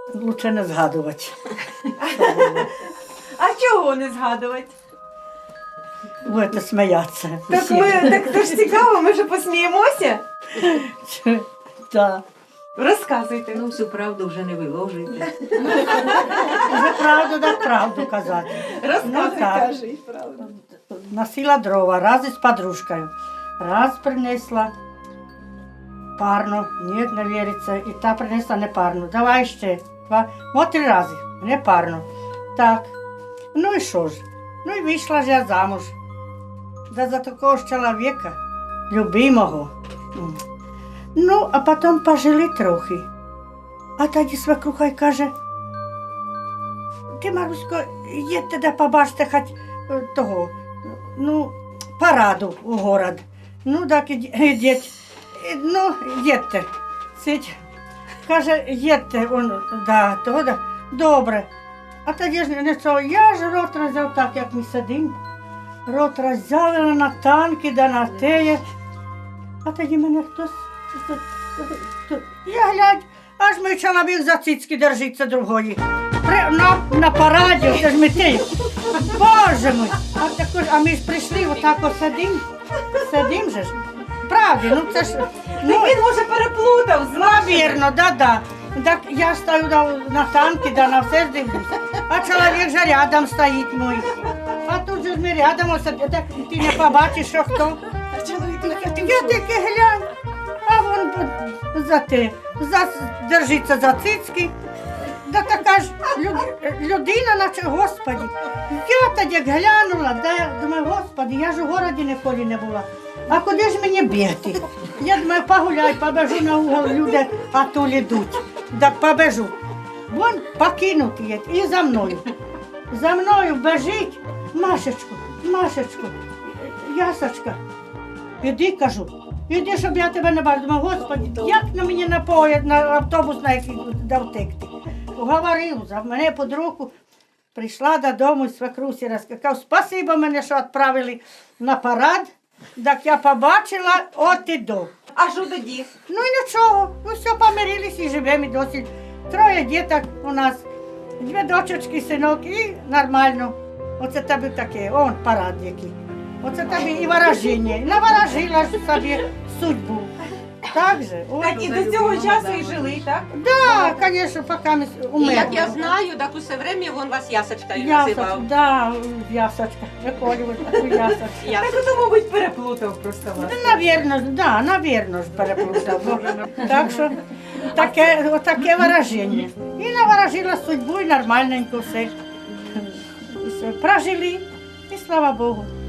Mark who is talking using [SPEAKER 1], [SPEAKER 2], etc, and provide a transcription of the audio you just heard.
[SPEAKER 1] Лучше не згадувати.
[SPEAKER 2] А чого не згадувати?
[SPEAKER 1] Будете сміятися.
[SPEAKER 2] Так це ж цікаво, ми ж посміємося.
[SPEAKER 1] Так.
[SPEAKER 2] Розказуйте.
[SPEAKER 3] Ну, всю правду вже не виложуйте.
[SPEAKER 1] Вже правду так правду казати.
[SPEAKER 2] Розказуй,
[SPEAKER 1] так.
[SPEAKER 2] кажи, правду.
[SPEAKER 1] Носила дрова, раз із подружкою. Раз принесла парну, ні, не віриться. І та принесла не парну. Давай ще. От 3 рази, не парну. Так. Ну і що ж? Ну і вийшла ж я замуж. Да за такого ж чоловіка, любимого. Ну, а потім пожили трохи. А тоді свекруха й каже: ти, Марусько, їдьте да побачите хоч того, ну, параду у город. Ну, так ідіть. Ну, їдьте. Сидь. Каже, їдьте, он, да, того, да. Добре. А тоді ж не що, я ж рот роззяв так, як ми сидимо. Рот роззявила на танки, да на теє. А тоді мене хтось, я глядь, аж мій чоловік за цицьки держиться другої. На параді, це ж ми теє. Боже мой! А ми ж прийшли, отак от сидим же ж. Правді, ну це ж... Ну,
[SPEAKER 2] Він, може, переплутав,
[SPEAKER 1] навірно, да. Так я стою на танки, да на все ж дивлюсь. А чоловік же рядом стоїть мій. А тут же ми рядом, ось, так ти не побачиш, що хто. Я таки глянь, а вон держиться за цицьки. Да така ж людина, наче, Господи. Я тоді глянула, да я думаю, Господи, я ж у городі ніколи не була. А куди ж мені бігти? Я думаю, погуляй, побежу на угол, люди атул ідуть. Так побежу. Вон покинути є і за мною. За мною бежить Машечку, Ясочка. Іди, кажу, іди, щоб я тебе не бачила. Думаю, Господи, як на мені напоять, на автобус, на який дав текти. Уговорив, за мене під руку. Прийшла додому і свекрусі розказав, спасибо мене, що відправили на парад. Так я побачила, от і до.
[SPEAKER 2] А що тоді?
[SPEAKER 1] Ну і нічого, ну все, помирились і живемо і досі. 3 діток у нас, 2 дочечки, синок і нормально. Оце тобі таке, он парад який. Оце тобі і ворожіння. І наворожила ж собі судьбу. Так же?
[SPEAKER 2] Так, і до цього часу і жили, так?
[SPEAKER 1] Так, звісно, поки ми
[SPEAKER 3] І
[SPEAKER 1] умерли.
[SPEAKER 3] як я знаю, так усе время він вас Ясочкою
[SPEAKER 1] Ясочка,
[SPEAKER 3] називав.
[SPEAKER 1] да, Ясочка, виколювати таку Ясочку.
[SPEAKER 2] Так ото, мабуть, переплутав просто вас.
[SPEAKER 1] Навірно ж переплутав. Так що таке вираження. І наворожила судьбу, і нормальненько все. Прожили, і слава Богу.